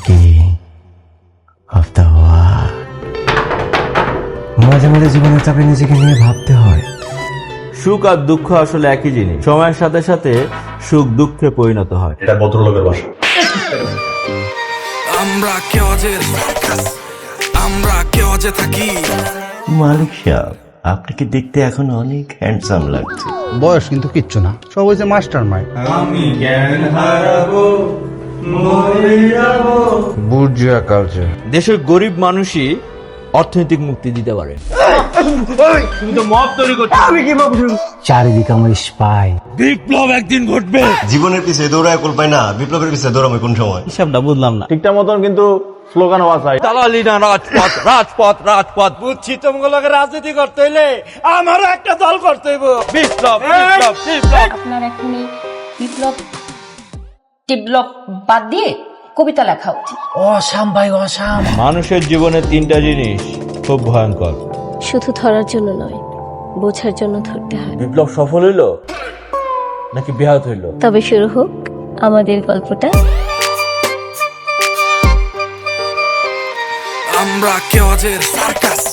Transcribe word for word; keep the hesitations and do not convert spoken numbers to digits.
king of the world. মাঝে মাঝে জীবনের চাপে নিজেকে নিয়ে ভাবতে হয়, সুখ আর দুঃখ আসলে একই জিনিস, সময়ের সাথে সাথে সুখ দুঃখে পরিণত হয়। এটা ভদ্রলোকের বাসা। আমরা কেউ যে আমরা কেউ যে থাকি। মালিক সাহেব, আপনাকে দেখতে এখন অনেক হ্যান্ডসাম লাগছে। বয়স কিন্তু কিচ্ছু না, সব হয়েছে মাস্টার মাইন্ড। আমি জ্ঞান হারাবো, মরে যাবো। Bourgeois culture. দেশের গরিব মানুষই অর্থনৈতিক মুক্তি দিতে পারে। তুমি তো মব তৈরি করছো। আমি কি মব? চারিদিকে আমার স্পাই। বিপ্লব একদিন ঘটবে। জীবনের পিছে দৌড়ায় কুল পায় না, বিপ্লবের পিছে দৌড়াবে কোন সময়? হিসাবটা বুঝলাম না ঠিকঠাক মতন, কিন্তু স্লোগান হওয়া চাই। দালালি না, রাজপথ রাজপথ রাজপথ। বুঝছি তোমাগুলোকে রাজনীতি করতে হইলে আমারও একটা দল করতে হইব। বিপ্লব বিপ্লব বিপ্লব। আপনার এখন এই বিপ্লব টিপ্লব বাদ দিয়ে কবিতা লেখা উচিত। অসাম ভাই, অসাম। মানুষের জীবনে তিনটা জিনিস খুব ভয়ঙ্কর। শুধু ধরার জন্য নয়, বোঝার জন্য ধরতে হয়। বিপ্লব সফল হইলো নাকি ব্যাহত হইলো? তবে শুরু হোক আমাদের গল্পটা। আমরা কেউ যে সার্কাস।